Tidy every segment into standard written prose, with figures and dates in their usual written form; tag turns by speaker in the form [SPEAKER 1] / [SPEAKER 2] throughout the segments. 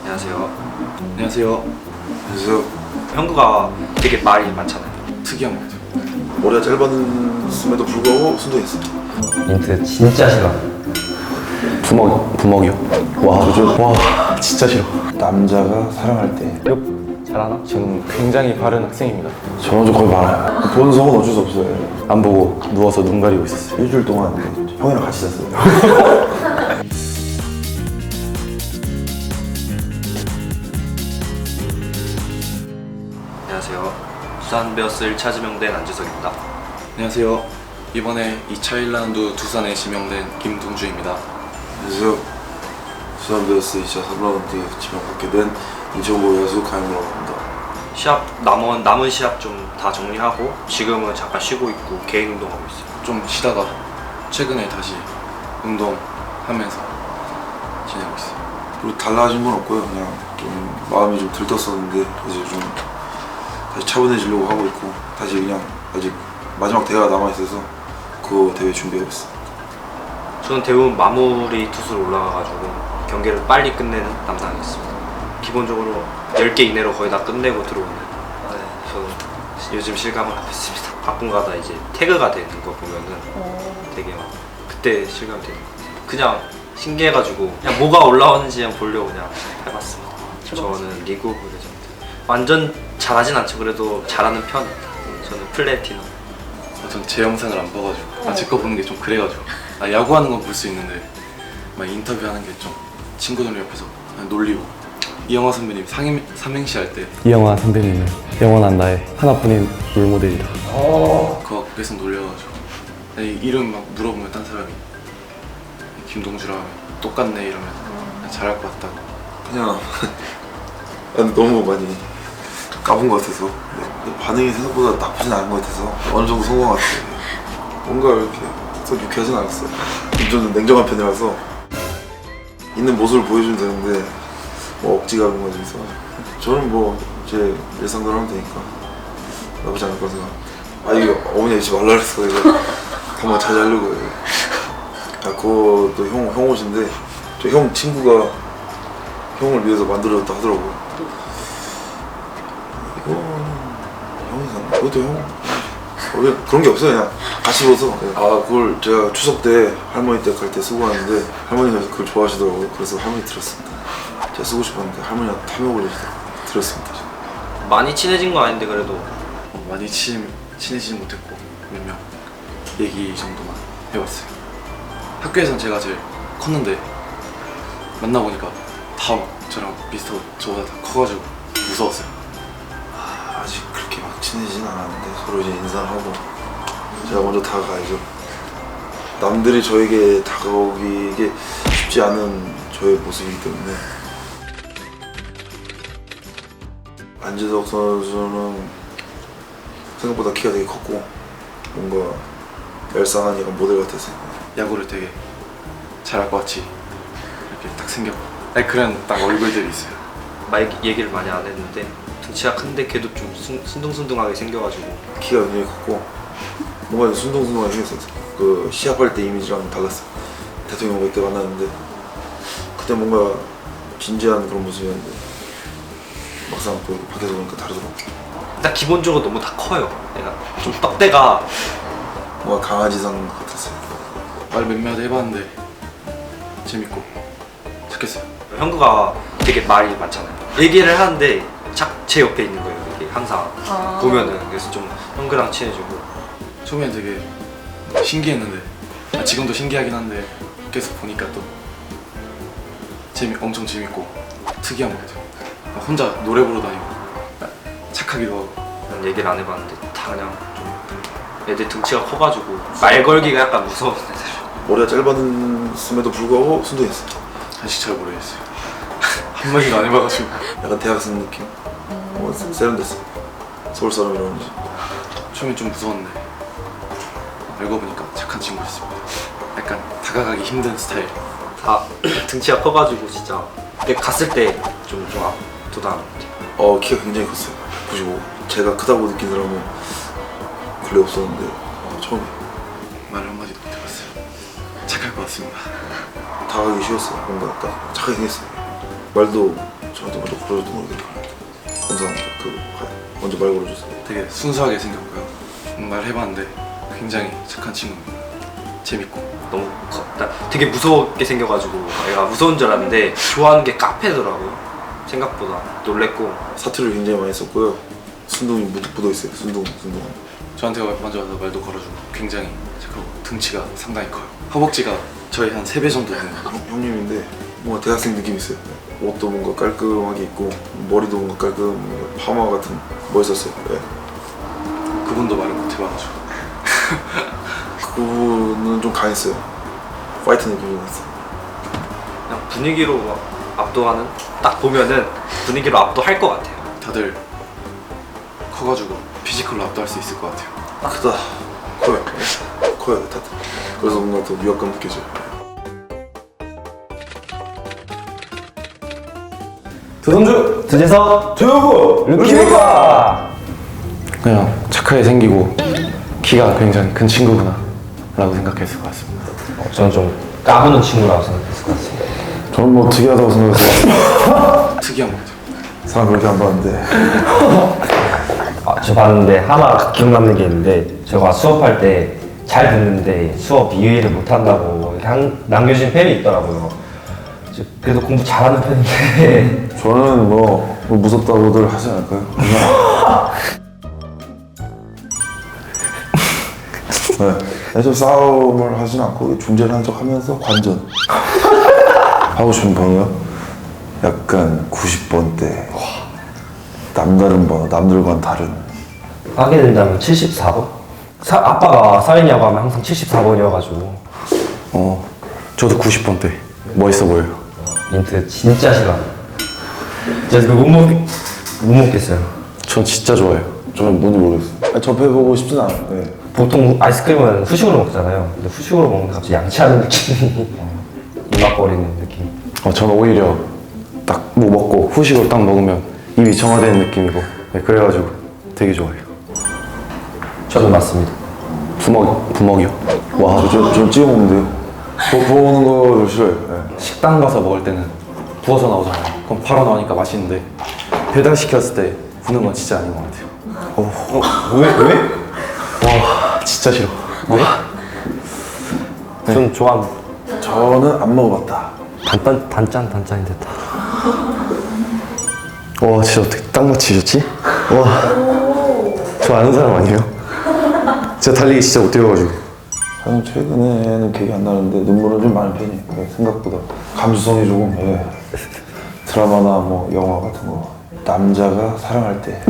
[SPEAKER 1] 안녕하세요.
[SPEAKER 2] 안녕하세요.
[SPEAKER 3] 그래서
[SPEAKER 1] 형구가 되게 말이 많잖아요.
[SPEAKER 2] 특이한 것 같아요.
[SPEAKER 3] 머리가 짧았음에도 불구하고 순둥했어.
[SPEAKER 4] 인트 진짜 싫어. 부먹이요? 와 진짜 싫어.
[SPEAKER 3] 남자가 사랑할 때
[SPEAKER 4] 욕 잘하나?
[SPEAKER 2] 저는 굉장히 바른 학생입니다.
[SPEAKER 3] 저는 좀 거의 많아요. 보는 성은 어쩔 수 없어요.
[SPEAKER 4] 안 보고 누워서 눈 가리고 있었어요.
[SPEAKER 3] 일주일 동안 형이랑 같이 잤어요.
[SPEAKER 1] 안녕하세요. 두산 베어스 1차 지명된 안지석입니다.
[SPEAKER 2] 안녕하세요. 이번에 2차 1라운드 두산에 지명된 김동주입니다.
[SPEAKER 3] 그래서 두산베어스 2차 3라운드 지명받게 된 인천고 야수 강현우라고 합니다.
[SPEAKER 1] 시합 남은 시합 좀 다 정리하고 지금은 잠깐 쉬고 있고 개인 운동하고 있어요.
[SPEAKER 2] 좀 쉬다가 최근에 다시 운동하면서 지내고 있어요.
[SPEAKER 3] 그리고 달라진 건 없고요. 그냥 좀 마음이 좀 들떴었는데 이제 좀 다시 차분해지려고 하고 있고 다시 그냥 아직 마지막 대회가 남아있어서 그 대회 준비하고 있어요.
[SPEAKER 1] 저는 대부분 마무리 투수로 올라가가지고 경기를 빨리 끝내는 담당이었습니다. 기본적으로 10개 이내로 거의 다 끝내고 들어오는. 저는 요즘 실감을 하고 있습니다. 가끔가다 이제 태그가 되는 거 보면은 되게 막 그때 실감이 되는 것 같아요. 그냥 신기해가지고 그냥 뭐가 올라오는지 그냥 보려고 그냥 해봤습니다. 저는 리그 오브 레전드 완전 잘하진 않죠. 그래도 잘하는 편입니다. 저는 플래티넘.
[SPEAKER 2] 전 제 영상을 안 봐가지고 제 거 보는 게 좀 그래가지고 야구하는 건 볼 수 있는데 막 인터뷰하는 게 좀 친구들 옆에서 그냥 놀리고 이영하 선배님 삼행시 할 때
[SPEAKER 4] 이영하 선배님은 영원한 나의 하나뿐인 롤모델이다.
[SPEAKER 2] 그거 계속 놀려가지고 이름 막 물어보면 딴 사람이 김동주라 하면 똑같네 이러면 잘할 것 같다고.
[SPEAKER 3] 그냥 너무 많이 까본 것 같아서 근데 반응이 생각보다 나쁘진 않은 것 같아서 어느 정도 성공한 것 같아요. 뭔가 이렇게 썩 유쾌하진 않았어요. 좀 냉정한 편이라서 있는 모습을 보여주면 되는데 뭐 억지가 그런 거 좀 있어. 저는 뭐 제 일상대로 하면 되니까 나쁘지 않을 거라 생각합니다. 이게 어머니가 잊지 말라 그랬어. 이거 한번 자제하려고 해요. 그것도 형 옷인데 저 형 친구가 형을 위해서 만들어줬다 하더라고요. 이거 형이 산 그것도 형 그런 게 없어요. 그냥 같이 입어서 그걸 제가 추석 때 할머니 댁 갈 때 쓰고 왔는데 할머니가 그걸 좋아하시더라고요. 그래서 할머니 드렸습니다. 제가 쓰고 싶었는데 할머니가 탐욕 걸리시더라고요. 드렸습니다.
[SPEAKER 1] 많이 친해진 건 아닌데 그래도
[SPEAKER 2] 많이 친해지진 못했고 몇 명 얘기 정도만 해봤어요. 학교에선 제가 제일 컸는데 만나보니까 다 막 저랑 비슷하고 저보다 다 커가지고 무서웠어요.
[SPEAKER 3] 아직 그렇게 막 친해지진 않았는데 서로 이제 인사를 하고 제가 먼저 다가가야죠. 남들이 저에게 다가오기 이게 쉽지 않은 저의 모습이기 때문에. 안지석 선수는 생각보다 키가 되게 컸고 뭔가 얄쌍한 약간 모델 같아서
[SPEAKER 2] 야구를 되게 잘할 것 같이 이렇게 딱 생겼고 그런 딱 얼굴들이 있어요.
[SPEAKER 1] 얘기를 많이 안 했는데 등치가 큰데 걔도 좀 순둥순둥하게 생겨가지고
[SPEAKER 3] 키가 굉장히 컸고 뭔가 순둥순둥하게 생겼어요. 그 시합할 때 이미지랑 달랐어요. 대통령 그때 만났는데 그때 뭔가 진지한 그런 모습이었는데 막상 또 밖에서 보니까 다르더라고요.
[SPEAKER 1] 일단 기본적으로 너무 다 커요. 내가 좀 떡대가
[SPEAKER 3] 뭔가 강아지상 같았어요.
[SPEAKER 2] 말 몇 마디 해봤는데 재밌고 착했어요.
[SPEAKER 1] 형구가 되게 말이 많잖아요. 얘기를 하는데 제 옆에 있는 거예요. 이게 항상 보면은. 그래서 좀 형구랑 친해지고.
[SPEAKER 2] 처음엔 되게 신기했는데 지금도 신기하긴 한데 계속 보니까 또 엄청 재밌고 특이한 것 같아요. 혼자 노래 부르 다니고 착하기도 하고.
[SPEAKER 1] 난 얘기를 안 해봤는데 다 그냥 좀 애들 등치가 커가지고 말 걸기가 약간 무서운 애들.
[SPEAKER 3] 머리가 짧았음에도 불구하고 순둥했어요.
[SPEAKER 2] 아직 잘 모르겠어요. 한마디도 안 해봐가지고.
[SPEAKER 3] 약간 대학생 느낌? 세련됐어요. 서울 사람이라는지.
[SPEAKER 2] 처음엔 좀 무서웠는데 알고 보니까 착한 친구였습니다. 약간 다가가기 힘든 스타일.
[SPEAKER 1] 다 등치가 커가지고 진짜 내가 갔을 때 좀 압도당한 것 같아요.
[SPEAKER 3] 키가 굉장히 컸어요. 95. 제가 크다고 느낀 사람은 근래 없었는데 처음에
[SPEAKER 2] 말 한마디도 못 해봤어요. 착할 것 같습니다.
[SPEAKER 3] 다가가기 쉬웠어요. 뭔가 딱 착하게 생겼어요. 말도 저한테 먼저 걸어줘도 모르겠다. 감사합니다. 먼저 말 걸어줘서.
[SPEAKER 2] 되게 순수하게 생겼고요. 정말 해봤는데 굉장히 착한 친구입니다. 재밌고.
[SPEAKER 1] 너무 되게 무섭게 생겨가지고 애가 무서운 줄 알았는데 좋아하는 게 카페더라고요. 생각보다 놀랬고.
[SPEAKER 3] 사투를 굉장히 많이 썼고요. 순둥이 묻어 있어요. 순둥.
[SPEAKER 2] 저한테 먼저 와서 말도 걸어주고 굉장히 착하고 등치가 상당히 커요. 허벅지가 저희 한 3배 정도 되는
[SPEAKER 3] 형님인데 뭔가 대학생 느낌 있어요. 옷도 뭔가 깔끔하게 입고 머리도 뭔가 깔끔 파마 같은 멋있었어요. 네.
[SPEAKER 2] 그분도 말을 못 해봐가지고
[SPEAKER 3] 그분은 좀 강했어요. 파이터 느낌이 났어요.
[SPEAKER 1] 그냥 분위기로 막 압도하는, 딱 보면은 분위기로 압도할 것 같아요.
[SPEAKER 2] 다들 커가지고 피지컬로 압도할 수 있을 것 같아요.
[SPEAKER 3] 크다. 커요. 커요 다들. 그래서 뭔가 더 위압감 느껴져요.
[SPEAKER 4] 두동주, 두재석, 두유구, 루키가 그냥 착하게 생기고 키가 굉장히 큰 친구구나 라고 생각했을 것 같습니다.
[SPEAKER 5] 저는 좀 까부는 친구라고 생각했을 것 같습니다.
[SPEAKER 3] 저는 뭐 특이하다고 생각해서
[SPEAKER 2] 특이한 것 같아요.
[SPEAKER 3] 사람 그렇게 안 봤는데
[SPEAKER 5] 저 봤는데 하나 기억 남는 게 있는데 제가 수업할 때 잘 듣는데 수업 이해를 못한다고 이렇게 남겨주신 팬이 있더라고요. 그래도 공부 잘하는 편인데
[SPEAKER 3] 저는 뭐 무섭다고들 하지 않을까요? 그냥 네. 저 싸움을 하진 않고 중재를 척 하면서 관전 하고 싶은 번호요? 약간 90번대 남다른 번호, 남들과는 다른.
[SPEAKER 5] 하게 된다면 74번? 아빠가 사인이라고 하면 항상 74번이어가지고
[SPEAKER 4] 저도 90번대 멋있어 보여요.
[SPEAKER 5] 민트 진짜 싫어. 진짜 그거 못 먹겠어요.
[SPEAKER 4] 전 진짜 좋아해요.
[SPEAKER 3] 저는 뭔지 모르겠어요. 접해보고 싶진 않아요. 네.
[SPEAKER 5] 보통 아이스크림은 후식으로 먹잖아요. 근데 후식으로 먹는데 갑자기 양치하는 느낌이 입맛거리는 느낌.
[SPEAKER 4] 저는 오히려 딱 뭐 먹고 후식으로 딱 먹으면 입이 정화되는 느낌이고 그래가지고 되게 좋아해요.
[SPEAKER 5] 저도 맞습니다.
[SPEAKER 4] 부먹이요? 와,
[SPEAKER 3] 저 찍어 먹는데요. 부어 먹는 거 싫어요. 네.
[SPEAKER 4] 식당 가서 먹을 때는 부어서 나오잖아요. 그럼 바로 나오니까 맛있는데 배달 시켰을 때 부는 건 진짜 아닌 것 같아요.
[SPEAKER 5] 왜?
[SPEAKER 4] 와, 진짜 싫어. 왜?
[SPEAKER 5] 전 좋아합니다.
[SPEAKER 3] 저는 안 먹어봤다.
[SPEAKER 5] 단짠이 됐다.
[SPEAKER 4] 와, 진짜 어떻게 딱 맞히셨지? 와, 저 아는 사람 아니에요? 제가 달리기 진짜 못 뛰어가지고.
[SPEAKER 3] 저는 최근에는 기억이 안 나는데 눈물은 좀 많은 편이에요. 네, 생각보다 감수성이 조금 드라마나 뭐 영화 같은 거 남자가 사랑할 때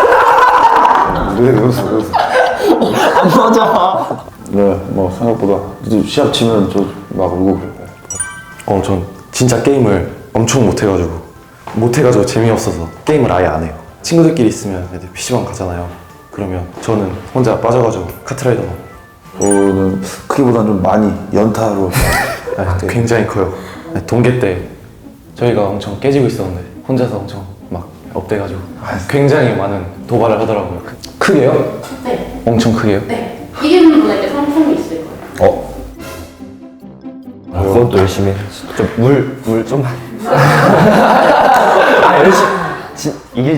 [SPEAKER 3] 왜 웃어 안 맞아. 네, 뭐 생각보다 시합 치면 저 막 울고 그래요.
[SPEAKER 4] 전 진짜 게임을 엄청 못해가지고 재미없어서 게임을 아예 안 해요. 친구들끼리 있으면 애들 PC방 가잖아요. 그러면 저는 혼자 빠져가지고 카트라이더만.
[SPEAKER 3] 저는 크기보다는 좀 많이 연타로
[SPEAKER 4] 굉장히 커요. 동계 때 저희가 엄청 깨지고 있었는데 혼자서 엄청 막 업돼가지고 굉장히 많은 도발을 하더라고요. 크게요?
[SPEAKER 6] 네.
[SPEAKER 4] 엄청 크게요?
[SPEAKER 6] 네. 이기는 분에게 상품이 있을 거예요.
[SPEAKER 5] 그것도 열심히 해. 물 좀만. 열심히. 이게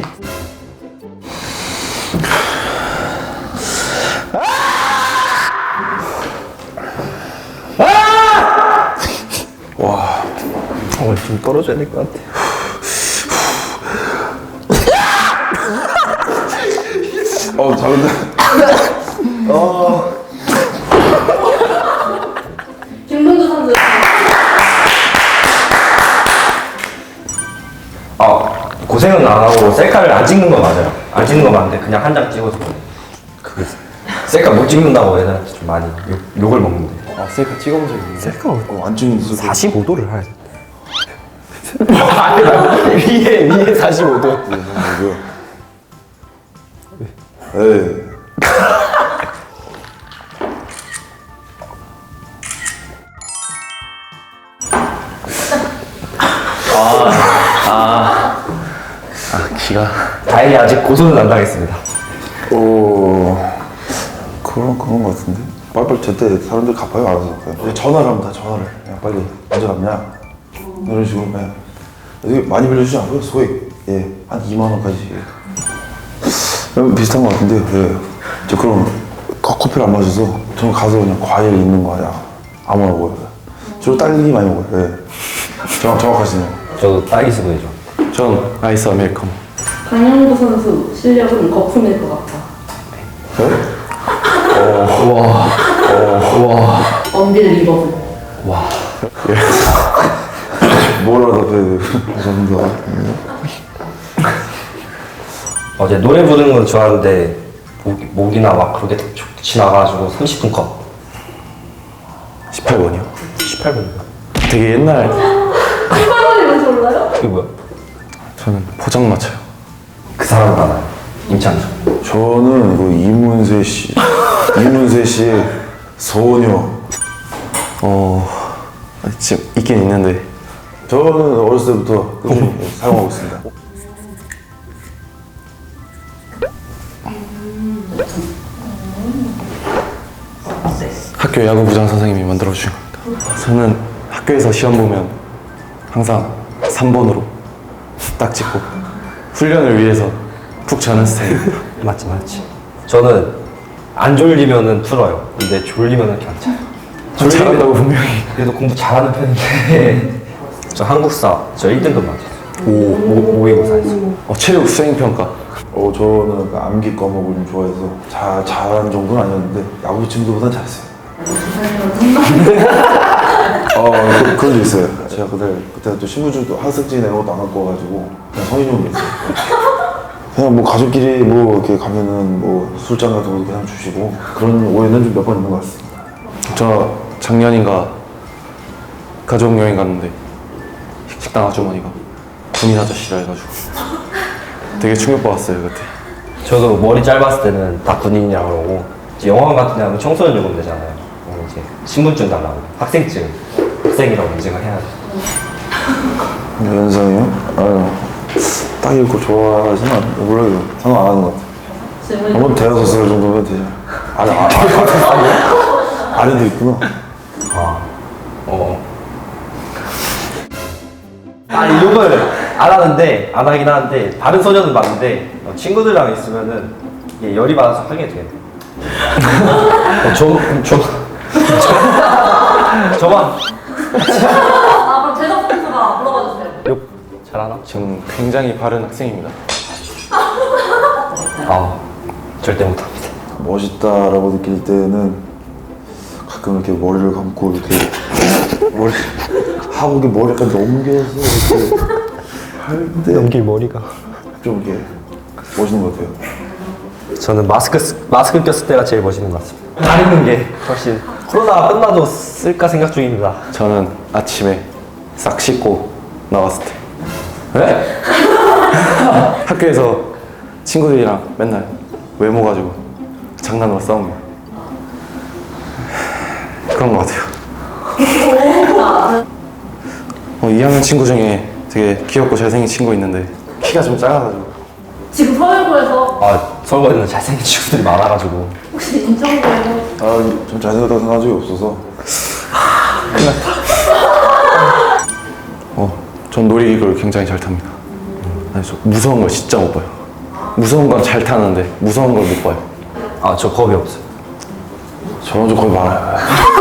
[SPEAKER 5] 좀 떨어져야 될 것 같아.
[SPEAKER 3] 잘한다.
[SPEAKER 6] 김동주 선수.
[SPEAKER 5] 고생은 안 하고 셀카를 안 찍는 거 맞아요. 안 찍는 거 맞는데 그냥 한 장 찍어서 그 셀카 못 찍는다고 애들한테 좀 많이 욕을 먹는데.
[SPEAKER 4] 셀카 찍어본 적이 있는데. 셀카
[SPEAKER 3] 안 찍는 데
[SPEAKER 5] 45도를 해야 돼.
[SPEAKER 4] 위에 45도.
[SPEAKER 3] 에이.
[SPEAKER 4] 기가.
[SPEAKER 5] 다행히 아직 고소는 안 당했습니다.
[SPEAKER 3] 그런 거 같은데. 빨리빨리 제때 사람들 갚아요 알아서. 그냥 전화를 합니다. 전화를. 그냥 빨리 언제 갚냐. 이런 식으로 그냥 되게 많이 빌려주지 않고요. 소액 한 2만 원까지 비슷한 것 같은데 저 그럼 커피를 안 마셔서 저는 가서 그냥 과일 있는 거 그냥 아무나 먹어요. 주로 딸기 많이 먹어요. 정확하시네요.
[SPEAKER 5] 저도 딸기 스무디죠.
[SPEAKER 4] 전 아이스 아메리카노.
[SPEAKER 6] 강영구 선수 실력은 거품일 것 같아. 언빌 리버블.
[SPEAKER 3] 뭐라 답해야 돼요? 감사합니다.
[SPEAKER 5] 어제 노래 부르는 건 좋아하는데 목이나 막 그렇게 지나가가지고 30분 컷.
[SPEAKER 4] 18번이요.
[SPEAKER 5] 18분.
[SPEAKER 4] 되게 옛날.
[SPEAKER 6] 한번이면 몰라요?
[SPEAKER 5] 그게 뭐야?
[SPEAKER 4] 저는 포장마차요.
[SPEAKER 5] 그 사람 알아요. 임창정.
[SPEAKER 3] 저는 그 이문세 씨의 소녀.
[SPEAKER 4] 지금 있긴 있는데
[SPEAKER 3] 저는 어렸을 때부터 꾸준히 사용하고 있습니다.
[SPEAKER 4] 학교 야구부장 선생님이 만들어주신 겁니다. 저는 학교에서 시험 보면 항상 3번으로 딱 찍고 훈련을 위해서 푹 자는 스타일입니다.
[SPEAKER 5] 맞지. 저는 안 졸리면은 풀어요. 근데 졸리면은 그냥 자요.
[SPEAKER 4] 잘한다고 분명히.
[SPEAKER 5] 그래도 공부 잘하는 편인데 저 한국사 저 1등급 맞았어요. 모의고사에서.
[SPEAKER 4] 체육 수행평가.
[SPEAKER 3] 저는 그 암기 과목을 좀 좋아해서 잘하는 정도는 아니었는데 야구 친구들보단 잘했어요. 그런 게 있어요. 제가 그때 또 신분증도 학생증 이런 것도 안 갖고 와가지고 그냥 성인용이 있어요. 그냥 뭐 가족끼리 뭐 이렇게 가면은 뭐 술잔 같은 것도 그냥 주시고 그런 오해는 좀 몇 번 있는 것 같습니다.
[SPEAKER 4] 저 작년인가 가족 여행 갔는데 식당 아주머니가 군인 아저씨라 해가지고 되게 충격받았어요 그때.
[SPEAKER 5] 저도 머리 짧았을 때는 다 군인이라고 그러고 이제 영화관 같은 데 하면 청소년 요금 되잖아요. 그럼 이제 신분증 달라고 학생증 학생이라고 인증을 해야죠.
[SPEAKER 3] 연상이요? 딱 읽고 좋아하지는 않아요. 몰라요. 상관 안 하는 것 같아요. 한번 대여섯 살 정도면 되죠. 아래도 있구나.
[SPEAKER 5] 아니 욕을 안 하긴 하는데 다른 소녀는 봤는데 친구들이랑 있으면은 이게 열이 받아서 하게 돼요. 저만
[SPEAKER 6] 그럼 재석 선수가 물어봐 주세요.
[SPEAKER 5] 욕 잘하나?
[SPEAKER 4] 저는 굉장히 바른 학생입니다.
[SPEAKER 5] 절대 못합니다.
[SPEAKER 3] 멋있다라고 느낄 때는 가끔 이렇게 머리를 감고 이렇게 하고 이렇게 머리 약간 넘겨서 이렇게 할 때
[SPEAKER 5] 연길 머리가.
[SPEAKER 3] 좀 이렇게 멋있는 것 같아요.
[SPEAKER 5] 저는 마스크 꼈을 때가 제일 멋있는 것 같습니다. 가리는 게 훨씬 코로나가 끝나도 쓸까 생각 중입니다.
[SPEAKER 4] 저는 아침에 싹 씻고 나왔을 때 학교에서 친구들이랑 맨날 외모 가지고 장난으로 싸웁니다. 그런 것 같아요. 2학년 친구 중에 되게 귀엽고 잘생긴 친구 있는데 키가 좀 작아가지고.
[SPEAKER 6] 지금 서울고에서
[SPEAKER 5] 서울에는 잘생긴 친구들이 많아가지고.
[SPEAKER 6] 혹시 인천고에서
[SPEAKER 3] 좀 잘생겼다고 생각한 적이 없어서.
[SPEAKER 4] 전 놀이기구를 굉장히 잘 탑니다. 아니, 저 무서운 걸 진짜 못 봐요. 무서운 건 잘 타는데 무서운 걸 못 봐요.
[SPEAKER 5] 저 겁이 없어요.
[SPEAKER 3] 저는 좀 겁이 많아요.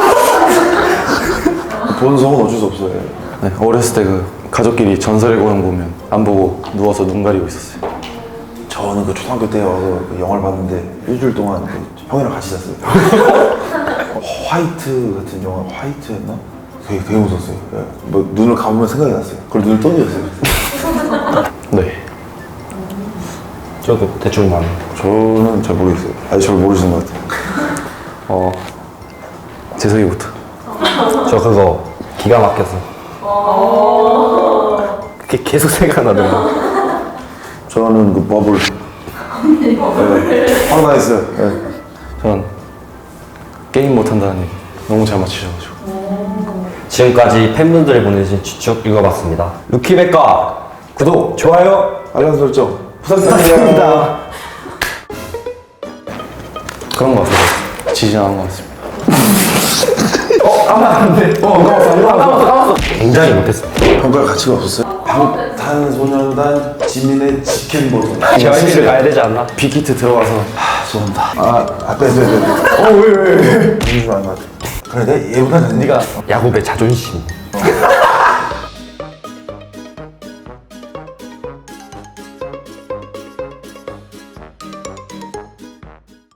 [SPEAKER 3] 보는 성은 어쩔 수 없어요.
[SPEAKER 4] 네, 어렸을 때 그 가족끼리 전설의 고향 보면 안 보고 누워서 눈 가리고 있었어요.
[SPEAKER 3] 저는 그 초등학교 때 와서 그 영화를 봤는데 일주일 동안 그 형이랑 같이 잤어요. 화이트 같은 영화, 화이트였나? 되게 무서웠어요. 뭐 눈을 감으면 생각이 났어요. 그걸 눈을 떠들었어요.
[SPEAKER 4] 네.
[SPEAKER 5] 저도 대충 많아요.
[SPEAKER 3] 저는 잘 모르겠어요. 아직 잘 모르시는 것 같아요.
[SPEAKER 4] 재석이부터.
[SPEAKER 5] 저 그거 기가 막혀서. 그게 계속 생각나더라고요.
[SPEAKER 3] 저는 그 버블. 네. 황당했어요. 네.
[SPEAKER 4] 전 게임 못한다는 얘기 너무 잘 맞추셔가지고.
[SPEAKER 5] 지금까지 팬분들이 보내주신 추측 읽어봤습니다. 루키백과 구독, 좋아요
[SPEAKER 3] 알람 설정 부탁드립니다.
[SPEAKER 4] 그런 것 같아서 지진하는 것 같습니다.
[SPEAKER 5] 까먹었어. 굉장히 못했습니다.
[SPEAKER 3] 평가할 가치가 없었어요? 방탄소년단 지민의 직캠버전.
[SPEAKER 5] JYP를 가야 되지 않나?
[SPEAKER 4] 빅히트 들어가서
[SPEAKER 3] 죄송합니다. 아까 왜? 왜? 공주 안 맞아. 그래, 내가 얘보다 낫네.
[SPEAKER 5] 야곱의 자존심.